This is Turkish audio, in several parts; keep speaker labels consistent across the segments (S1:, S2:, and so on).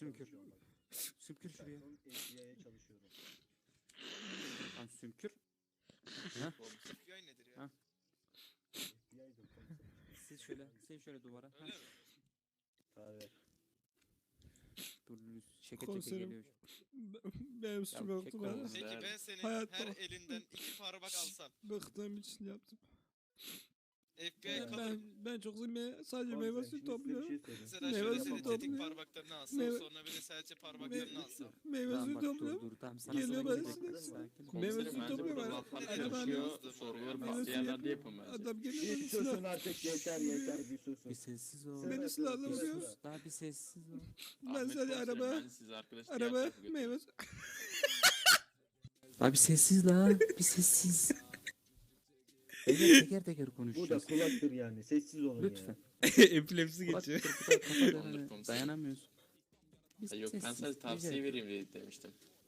S1: Sümkür. Sümkür şuraya.
S2: FBI'ye çalışıyorum.
S1: Lan sümkür. Ha?
S3: FBI nedir ya?
S1: Ha.
S2: FBI'dir komiserim.
S1: Sen şöyle duvara. Ha.
S3: Öyle mi?
S2: Tabii.
S1: Dur çeke
S4: Komiserim.
S1: geliyor.
S4: Benim suçum
S1: Ya,
S4: yoktu
S1: çek
S4: ben.
S1: oğlum.
S3: Peki ben senin
S4: Hayatta-
S3: her elinden 2 parmak alsam
S4: Bıktığım için yaptım.
S3: FBI kabul.
S4: Ben çok sadece meyve
S2: Komiserim,
S4: suyu
S2: şimdi size bir
S4: topluyorum.
S2: şey söyleyeyim.
S3: Mesela
S4: Meyve
S3: şöyle
S4: suyu
S3: senin
S4: topluyor.
S3: tetik parmaklarını alsam
S4: Meyve-
S3: sonra bir de sadece parmaklarını alsam.
S4: Meyve
S1: Tamam
S4: suyu
S1: bak dur
S4: topluyorum.
S1: dur tamam sana
S4: Geliyor
S1: sıra
S4: ben
S1: gelecek.
S4: size-
S1: Sakin ol.
S4: Meyve
S5: Komiserim
S4: suyu
S5: bence
S4: topluyor
S5: burada
S4: bana.
S5: laflar
S3: Adam
S5: karışıyor.
S3: yazdı
S5: Soruları
S3: buraya.
S5: başka yerlerde yapın bence.
S4: Adam geliyor
S2: Bir
S4: beni silah.
S2: susun artık yeter yeter bir susun.
S1: Bir sessiz ol.
S4: Beni silahla
S2: Bir
S4: vuruyor.
S2: sus.
S1: Daha bir sessiz ol.
S4: Ben
S5: Ahmet
S4: sadece
S5: komiserim,
S4: araba,
S5: bence siz arkadaş diğer
S4: araba,
S5: tarafa götürün.
S4: meyve
S1: Daha bir sessiz la. Bir sessiz. Teker teker
S2: Bu da
S1: konuşacağız.
S2: kulaktır yani. Sessiz olun
S1: Lütfen.
S4: Epilepsi
S1: Kulak
S4: geçiyor.
S1: kırpıda kafa
S5: Olur
S1: dönene
S5: komiserim.
S1: dayanamıyorsun. Bir
S5: Yok ben
S1: sessiz,
S5: sadece tavsiye
S1: rica
S5: vereyim diye demiştim.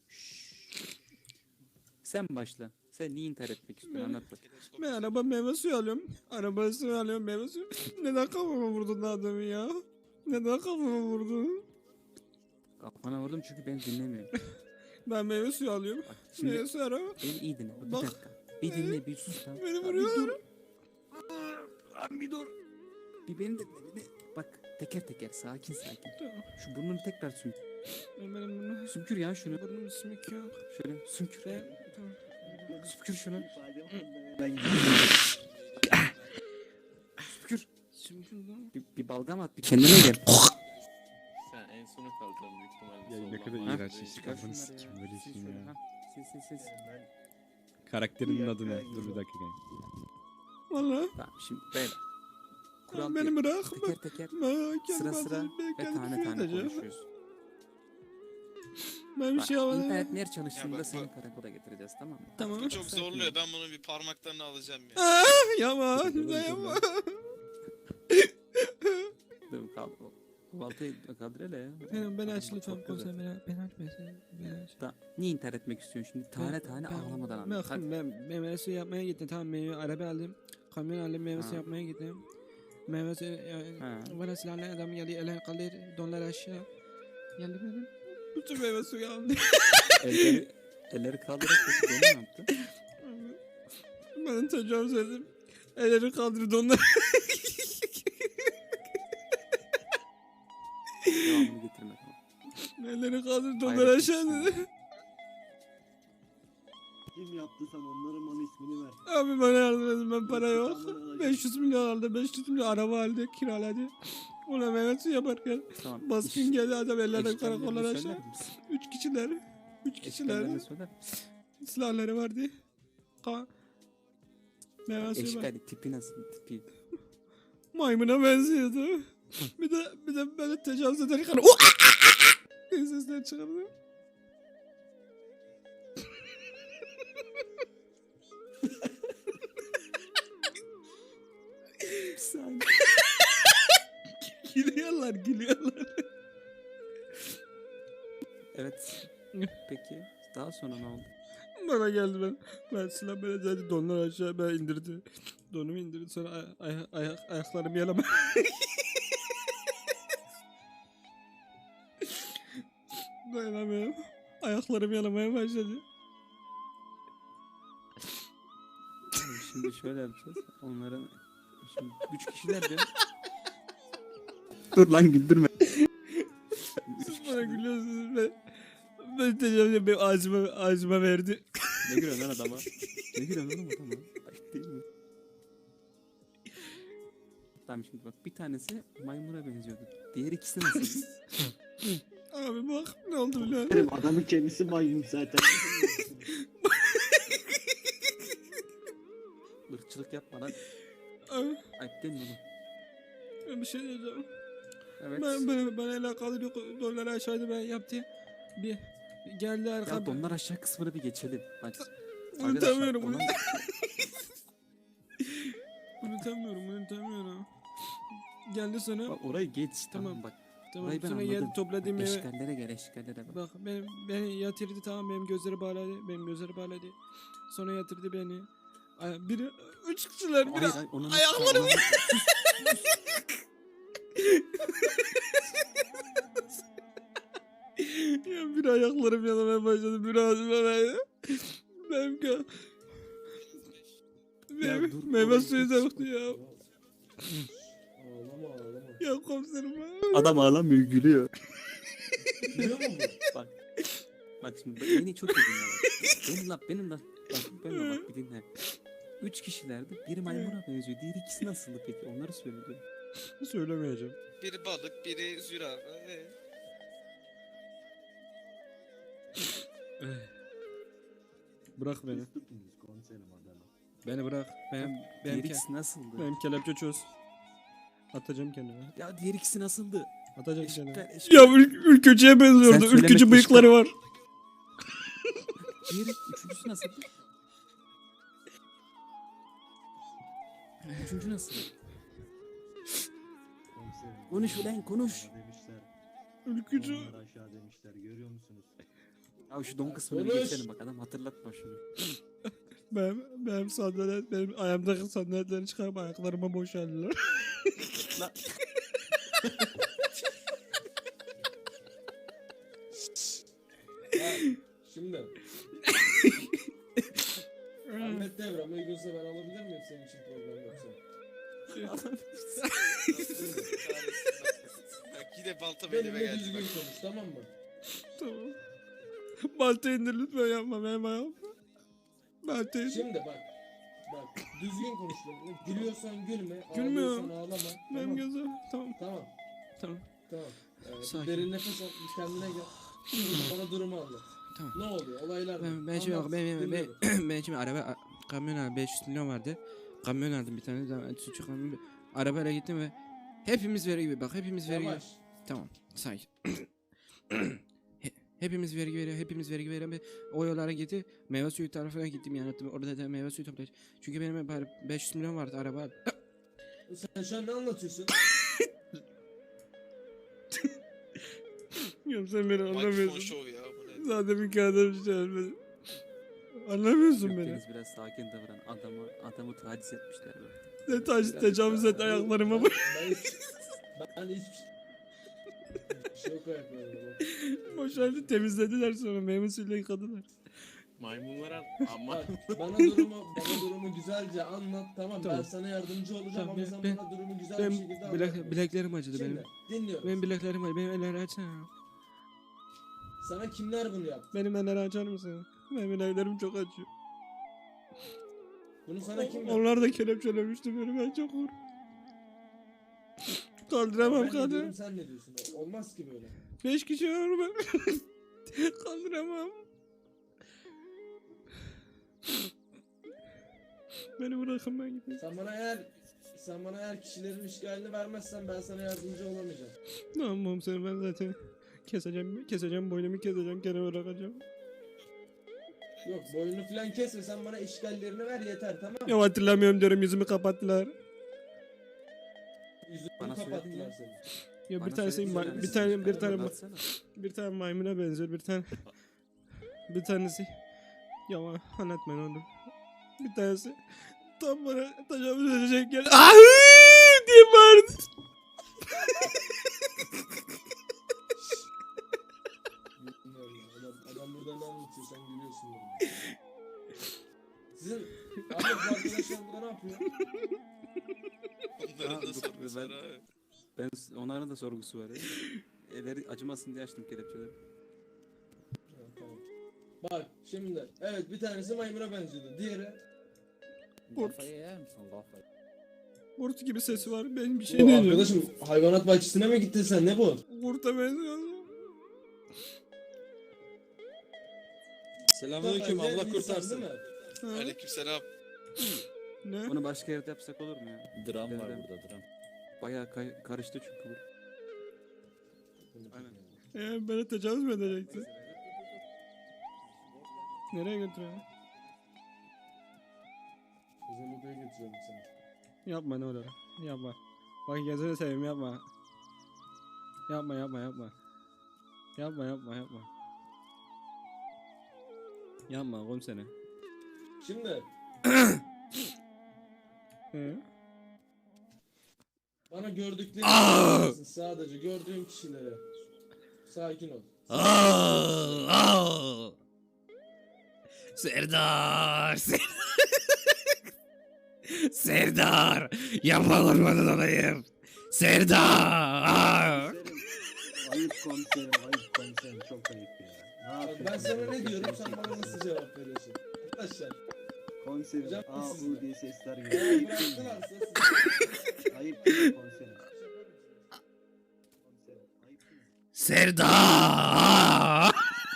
S1: Sen başla. Sen niye intihar etmek istiyorsun anlat bak.
S3: Teleskop.
S4: Ben araba meyve suyu alıyorum. Araba suyu alıyorum meyve suyu. Neden kafama vurdun adamı ya? Neden kafama vurdun?
S1: Kafana vurdum çünkü beni dinlemiyor.
S4: Ben meyve suyu alıyorum.
S1: Bak şimdi
S4: Meyve suyu araba.
S1: beni iyi dinle. Bir
S4: Bak.
S1: dakika. Bir dinle bir sus tamam.
S4: Beni
S1: Abi
S4: vuruyorlar.
S1: Bir dur. Bir beni de bak teker teker sakin sakin.
S4: Tamam.
S1: Şu burnunu tekrar sümkür.
S4: Benim bunu.
S1: Sümkür ya şunu.
S4: Burnum sümük yok.
S1: Şöyle sümkür.
S4: Tamam.
S1: Sümkür şunu.
S2: İfadem onda. Ben gidiyorum.
S1: Sümkür.
S4: Sümük lan.
S1: Bir balgam at bir kendine gel.
S5: Sen en sona kaldın büyük ihtimalle.
S6: Ya ne
S5: soldan
S6: kadar
S5: bana
S6: iğrenç
S5: değil.
S6: iş.
S1: Çıkar
S6: Kafanı
S1: şunları
S6: sikeyim
S1: ya.
S6: böyle
S1: Sil
S6: şeyin
S1: şöyle,
S6: ya.
S1: ha. Sil.
S2: Ben
S6: Karakterinin
S2: Bir
S6: adı ne?
S2: dakika,
S6: Dur bir
S2: yok.
S6: dakika.
S4: Valla.
S1: Tamam şimdi böyle. Kural
S4: Beni
S1: bir.
S4: bırak.
S1: Teker teker
S4: Ben
S1: sıra
S4: kendim
S1: sıra
S4: ben
S1: ve
S4: kendim
S1: tane
S4: küfür
S1: tane
S4: edeceğim.
S1: konuşuyoruz.
S4: Ben bir
S1: Bak,
S4: şey yapmadım.
S1: internet ner çalıştığında
S3: Ya bak,
S1: seni
S3: bak.
S1: karakola getireceğiz tamam mı?
S4: Tamam.
S3: Bu çok
S1: Sakin ol.
S3: zorluyor. Ben bunun bir parmaklarını alacağım ya.
S4: Yapma.
S1: Dur, dur,
S4: Yapma.
S1: Dur kalk. Baltayı kaldır hele ya.
S4: Beni aç
S1: Çok
S4: lütfen
S1: güzel.
S4: konser beni aç beni aç.
S1: Tamam. Niye intihar etmek istiyorsun şimdi? Tane tane ağlamadan anlat. Hadi.
S4: Ben meyve suyu yapmaya gittim. Tamam meyve araba aldım. Kamyon aldım meyve suyu
S1: Ha.
S4: yapmaya gittim. Meyve suyu
S1: Ha.
S4: bana silahlı adam geldi eller kaldır donlar aşağı. Geldi benim. Bütün meyve suyu aldı.
S1: Elleri kaldırarak peki bunu ne yaptı?
S4: Ben tecavüz ettim. Elleri kaldırdı donlar.
S1: Devamını getirme.
S4: Elleri kaldırdı donlar
S1: Hayret
S4: aşağı
S1: etsin.
S4: dedi.
S2: kim yaptıysa onların bana ismini ver.
S4: Abi bana yardım edin ben para yok.
S2: İntikamını alacağım.
S4: 500 milyon aldı 500 milyon araba aldı kiraladı. Ona meyve suyu yaparken
S1: Tamam.
S4: baskın geldi adam ellerine
S1: Eşkallerini
S4: karakollar aşağı.
S1: söyler misin?
S4: 3 kişiler. 3 kişiler.
S1: Eşkallerini söyler misin?
S4: Silahları vardı. Meyve suyu var.
S1: Eşkali tipi nasıl tipi?
S4: Maymuna benziyordu. bir de böyle tecavüz ederken diye sesler çıkardı.
S1: Bir saniye.
S4: Gülüyorlar.
S1: Evet. Peki daha sonra ne oldu?
S4: Bana geldi ben silah böyle dedi donlar aşağı ben indirdi. Donumu indirdi sonra ayaklarımı yalama. Dayanamıyorum. Ayaklarımı yalamaya başladı.
S1: Şimdi şöyle yapacağız. Onların şimdi 3 kişiler diyor. Dur lan güldürme.
S4: Siz bana gülüyorsunuz ben tecavüz benim ağzıma verdi.
S1: Ne gülüyorsun lan adama? Ne gülüyorsun oğlum adama? Ayıp değil mi? Tamam şimdi bak bir tanesi maymuna benziyordu. Diğer ikisi nasıl?
S4: Abi bak ne oldu biliyor musun?
S2: Benim adamın kendisi maymun zaten.
S1: Irkçılık yapma lan.
S4: Abi,
S1: Ayıp değil mi oğlum?
S4: ben bir şey diyeceğim.
S1: Evet.
S4: Ben el kaldırıyor donları aşağıda ben yaptı. Bir geldi
S1: Ya
S4: arka.
S1: donlar aşağı kısmını bir geçelim. Hadi.
S4: Unutamıyorum bunu.
S1: Arkadaşlar,
S4: Unutamıyorum. Geldi sonra.
S1: bak orayı geç.
S4: Tamam.
S1: Tamam bak.
S4: Tamam
S1: orayı ben
S4: sonra
S1: anladım.
S4: geldi topladım
S1: Bak,
S4: eve.
S1: eşkallere gel eşkallere bak.
S4: Bak beni yatırdı tamam benim gözleri bağladı. Sonra yatırdı beni. Biri 3 kişiler biri
S1: Hayır, hayır, onu
S4: ayaklarım Ya bir ayaklarım yanmaya başladı. Bir ağzıma verdi. Benim
S1: Ya
S4: benim
S1: dur,
S4: meyve
S1: olayı
S4: suyu
S1: çok
S4: da yoktu ya.
S2: Ağlama ağlama.
S4: Ya komiserim ha.
S1: Adam ağlamıyor, gülüyor.
S2: Biliyor musun bu?
S1: Bak. Bak şimdi beni çok iyi dinle bak. Benim laf. Bak benim bak bir dinle. 3 kişilerdi. Biri maymuna benziyor. Diğer ikisi nasıldı peki? Onları söyledi.
S4: Söylemeyeceğim.
S3: Biri balık, biri zürafa.
S4: Bırak beni.
S2: Siz tutunuz komiserim adamı.
S4: Beni bırak.
S1: Diğer ikisi nasıldı?
S4: Benim kelepçe çöz. Atacağım kendime.
S1: Ya diğer ikisi nasıldı?
S4: Atacağım kendime.
S1: Eşkal.
S4: Ya ülkücüye benziyordu.
S1: Sen söylemekle
S4: Ülkücü bıyıkları var.
S1: Diğeri, üçüncüsü nasıldı? Üçüncü nasıl?
S2: Komiserim.
S1: Konuş ulan, konuş.
S2: Aşağı demişler.
S4: Ülkücü.
S2: Onlar aşağı demişler. Görüyor musunuz?
S1: Ya şu don kısmını
S2: Konuş.
S1: geçelim bak, adam hatırlatma şunu.
S4: Benim sandalet, benim ayağımdaki sandaletleri çıkarıp ayaklarıma boşaldılar.
S1: Lan.
S6: Şimdi. Ahmet Devrem uygunsa ben alabilir miyim senin için problem yoksa?
S3: Bak yine balta belime
S6: Benimle
S3: geldi.
S6: düzgün
S3: Bak.
S6: konuş tamam mı?
S4: Tamam. Balta indir lütfen, yapma benim ayağım. Balta indir.
S6: Şimdi bak. Bak düzgün konuş benimle. Gülüyorsan gülme.
S4: Gülmüyorum.
S6: Ağlıyorsan ağlama.
S4: Benim
S6: Tamam.
S4: gözüm. Tamam.
S6: Tamam.
S4: Tamam.
S6: Tamam. Bir
S4: Sakin.
S6: derin nefes al. Bir kendine gel. Bana durumu anlat.
S4: Tamam.
S6: Ne oluyor? Olaylar ne?
S4: Ben şimdi
S6: Anlat,
S4: ben
S6: dinliyorum.
S4: ben şimdi kamyon aldım, 500 milyon vardı. Kamyon aldım bir tane, suçu kamyon. Arabayla gittim ve hepimiz vergi gibi, bak hepimiz vergi.
S6: Yavaş.
S4: Tamam, sakin. Hepimiz vergi veriyor, hepimiz vergi veren ve o yollara gitti. Meyve suyu tarafına gittim, yani orada da meyve suyu toplayacağım. Çünkü benim 500 milyon vardı araba.
S6: Sen şu an ne anlatıyorsun?
S4: Yok, sen beni
S3: Mikrofon
S4: anlamıyorsun.
S3: şov ya bu ne?
S4: Zaten bir kağıda bir şey ölmedim. Anlamıyorsun
S1: Yok,
S4: beni.
S1: Deniz biraz sakin davran. Adamı taciz etmişler böyle.
S4: Ne tecavüz et ayaklarıma bak.
S6: Ben hiç şok ayaklarım.
S4: Boşaldı, temizlediler, sonra meyve suyuyla yıkadılar.
S5: Maymunlara ama
S6: Bak bana durumu güzelce anlat tamam,
S4: Tamam.
S6: ben sana yardımcı olacağım
S4: Tamam,
S6: ama sen
S4: ben-
S6: bana durumu güzel bir şekilde anlat.
S4: Bileklerim acıdı
S6: Şimdi
S4: benim.
S6: dinliyorum.
S4: Benim bileklerim acıdı. Benim elleri açsana.
S6: Sana kimler bunu yaptı?
S4: Benim elleri açar mısın? Benim bileklerim çok acıyor.
S6: Bunu sana kim yaptı?
S4: Onlar da kelepçelemişti beni, ben çok korktum. Kaldıramam
S6: Ben ne diyorum,
S4: kadın.
S6: sen ne diyorsun? Olmaz ki böyle.
S4: 5 kişi var ben. Kaldıramam. Beni bırakın, ben gideyim.
S6: Sen bana eğer kişilerin işgalini vermezsen ben sana yardımcı olamayacağım.
S4: Tamam seni ben zaten keseceğim boynumu, keseceğim, gene bırakacağım.
S6: Yok boynunu falan kesme, sen bana işgallerini ver yeter tamam mı?
S4: Ya hatırlamıyorum diyorum, yüzümü kapattılar.
S6: Yüzünü
S1: Bana
S6: kapattılar
S1: söyledin
S6: seni.
S4: Ya
S1: Bana
S4: bir tanesi
S1: söyledi, söylemesin.
S4: bir tane
S1: Anlatsana.
S4: bir tane maymuna benziyor, bir tanesi ya anlatma ne olur. Bir tanesi tam bana tecavüz edecek gel. Ahı diye bağırdı.
S6: Bilmiyorum ya, adam burada ne anlatıyor sen gülüyorsun burada. Sizin abi bu arkadaşlar burada ne yapıyor?
S3: Onların da
S1: dur,
S3: sorgusu
S1: ben-
S3: var abi.
S1: Onların da sorgusu var ya. Elleri acımasın diye açtım kelepçeleri.
S6: Ha, tamam. Bak şimdi evet bir tanesi maymuna benziyordu. Diğeri
S4: Kurt.
S1: Kafayı yer misin kafayı?
S4: Kurt gibi sesi var, ben bir şey
S6: bu
S4: diyeceğim.
S6: arkadaşım hayvanat bahçesine mi gittin sen ne bu?
S4: Kurta benziyor.
S5: Selamünaleyküm,
S6: Diğer
S5: Allah
S6: insan
S5: kurtarsın.
S6: değil mi?
S4: Ha?
S3: Aleykümselam.
S4: Ne?
S1: Onu başka yerde yapsak olur mu ya?
S5: Dram var
S1: Nereden?
S5: burada, dram.
S1: Bayağı karıştı çünkü bu. Aynen.
S4: Bana tecavüz mü edeceksin? Nereye götürüyor?
S6: Özel odaya götürüyorum seni.
S4: Yapma ne olur. Yapma. Bak gözünü seveyim, yapma. Yapma. Yapma oğlum seni.
S6: Şimdi
S4: He?
S6: bana gördüklerini anlatırsın sadece gördüğüm kişilere. Sakin ol.
S4: Serdar, Serdar, yapma kurbanın olayım. Serdar.
S2: Komiserim, ayıp komiserim, çok ayıp ya. Ne
S6: Bak
S2: yapıyorsun?
S6: ben sana ne diyorum sen bana nasıl cevap veriyorsun? Arkadaşlar.
S2: Komiserim,
S6: Hocam, siz
S2: U
S6: de.
S2: diye sesler
S6: Eğer
S2: geliyor. Ayıp değil mi?
S6: bıraktılarsa siz...
S2: Ayıp değil mi komiserim? Komiserim, ayıp değil mi?
S4: Serdar.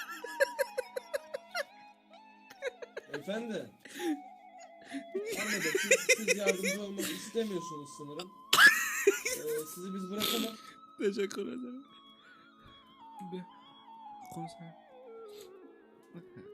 S6: Efendim. Anladım. Siz yardımcı olmak istemiyorsunuz sanırım. Sizi biz bırakamam.
S4: Teşekkür ederim. Komiser.